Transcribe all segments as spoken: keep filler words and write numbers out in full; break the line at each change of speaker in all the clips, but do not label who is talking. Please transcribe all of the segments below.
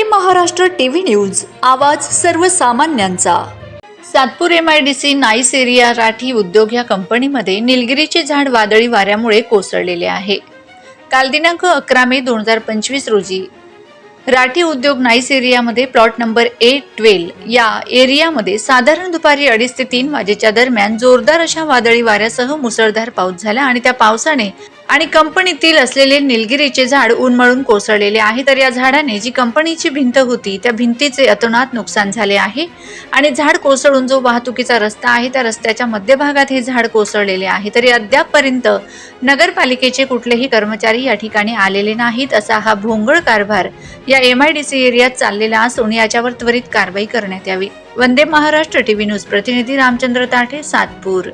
Maharashtra TV news, आवाज सर्वसामान्यांचा। Satpur M I D C NICE area Rathi उद्योग या कंपनीमध्ये निलगिरीचे झाड वादळी वाऱ्यामुळे कोसळलेले आहे। काल दिनांक अकरा मे दोन हजार पंचवीस रोजी राठी उद्योग नाईस एरियामध्ये प्लॉट नंबर ए ट्वेल्व या एरियामध्ये साधारण दुपारी अडीच ते तीन वाजेच्या दरम्यान जोरदार अशा वादळी वाऱ्यासह मुसळधार पाऊस झाला आणि त्या पावसाने आणि कंपनीतील असलेले निलगिरीचे झाड उन्मळून कोसळलेले आहे। तर या झाडाने जी कंपनीची भिंत होती त्या भिंतीचे अतोनात नुकसान झाले आहे आणि झाड कोसळून जो वाहतुकीचा रस्ता आहे त्या रस्त्याच्या मध्यभागात हे झाड कोसळलेले आहे। तरी अद्यापपर्यंत नगरपालिकेचे कुठलेही कर्मचारी या ठिकाणी आलेले नाहीत। असा हा भोंगळ कारभार या एम आय डी सी एरियात चाललेला असून याच्यावर त्वरित कारवाई करण्यात यावी। वंदे महाराष्ट्र टीव्ही न्यूज प्रतिनिधी रामचंद्र ताठे, सातपूर।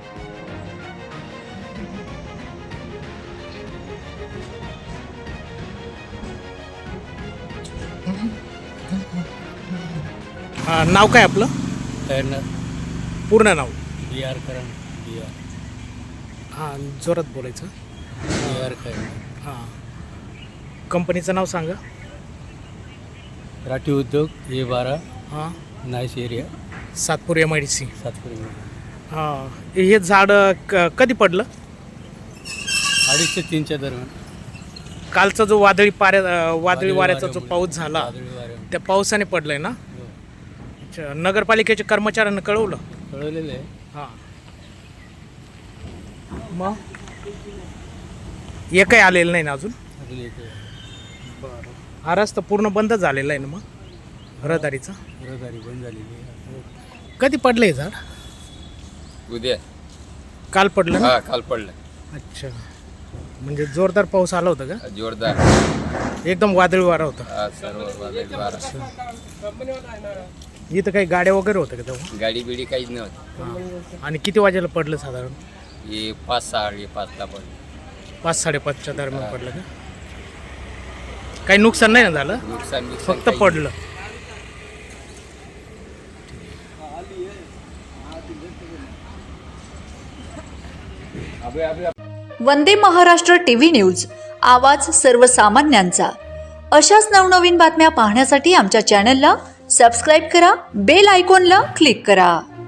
हा, नाव काय आपलं?
टर्नर
पूर्ण नाव?
बी आर करण बी आर
हां, जोरात बोलायचं।
बी आर करण
हां, कंपनीचं नाव सांगा।
राठी उद्योग ए बारा
हां,
NICE area
Satpur M I D C.
सातपुरी
हां, हे झाड क कधी पडलं?
अडीच ते तीनच्या दरम्यान।
कालचा जो वादळी पाऱ्या वादळी वाऱ्याचा जो
वाऱ्यामुळे-
पाऊस झाला
वादळी वाऱ्यामुळे.
त्या पावसाने पडलंय ना?
हो.
अच्छा, नगरपालिकेच्या कर्मचाऱ्यांना कळवलं?
कळवलेलं आहे।
हां, मग हे काही आलेलं नाही ना अजून?
अजून एक
बरं, हा रस्ता पूर्ण बंद झालेला आहे ना मग रहदारीचा?
रहदारी बंद झालेली आहे।
कधी पडलं हे झाड?
उद्या
काल पडलं ना?
हा काल पडलं
अच्छा, म्हणजे जोरदार पाऊस आला होता का?
जोरदार
एकदम वादळी वारा होता?
हा सर्व वादळी वारा.
इथं काही गाड्या वगैरे होत्या का तेव्हा?
गाडी बिडी काहीच नव्हती.
हां. आणि किती वाजेला पडलं साधारण?
हे पाच सहा हे पाचला पडलं.
पाच साडेपाचच्या दरम्यान पडलं का? काही नुकसान नाही ना झालं?
नुकसान बिकसान
फक्त
काही
पडलं?
वंदे महाराष्ट्र टीव्ही न्यूज, आवाज सर्वसामान्यांचा। अशाच नवनवीन बातम्या पाहण्यासाठी आमच्या चॅनलला सबस्क्राईब करा, बेल आयकॉनला क्लिक करा।